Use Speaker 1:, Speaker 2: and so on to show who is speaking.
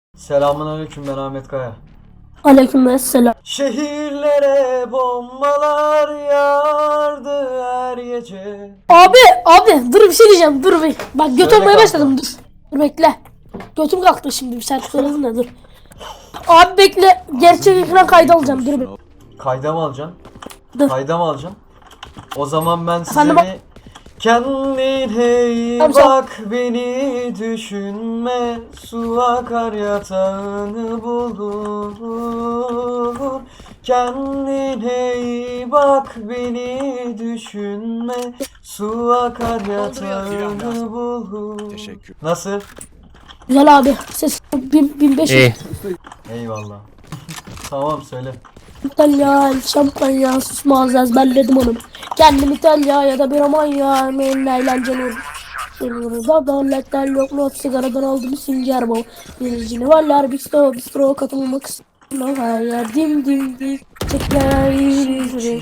Speaker 1: Selamünaleyküm, ben Ahmet Kaya.
Speaker 2: Aleykümselam.
Speaker 1: Şehirlere bombalar yağardı her gece.
Speaker 2: Abi dur bir şey diyeceğim, dur bir. Bak göt
Speaker 1: Söyle
Speaker 2: olmaya
Speaker 1: kanka.
Speaker 2: başladım, dur. Dur bekle. Götüm kalktı şimdi, bir şarkı söyledin de dur. Abi bekle, gerçek ekran kaydı alacağım, dur bir.
Speaker 1: Kayda mı alacaksın?
Speaker 2: Dur.
Speaker 1: Kayda mı alacaksın? O zaman ben size
Speaker 2: Efendim,
Speaker 1: bir... Kendine iyi
Speaker 2: Tamam, sen-
Speaker 1: bak, beni düşünme. Su akar yatağını bulur. Kendine iyi bak, beni düşünme. Su akar yatağını bulur.
Speaker 3: Teşekkür.
Speaker 1: Nasıl?
Speaker 2: Güzel abi, ses 1500.
Speaker 1: Eyvallah. Tamam, söyle.
Speaker 2: İtalya, şampanya, susmaz ezberledim onu. Kendim İtalya ya da bir Romanya, emeğin eğlenceli olur. Yanımızda devletler yok, not sigaradan aldım sünger bol. Biricini varlar, bistro katılmak istiyorum. Hayır, dim dim dim. Çekler,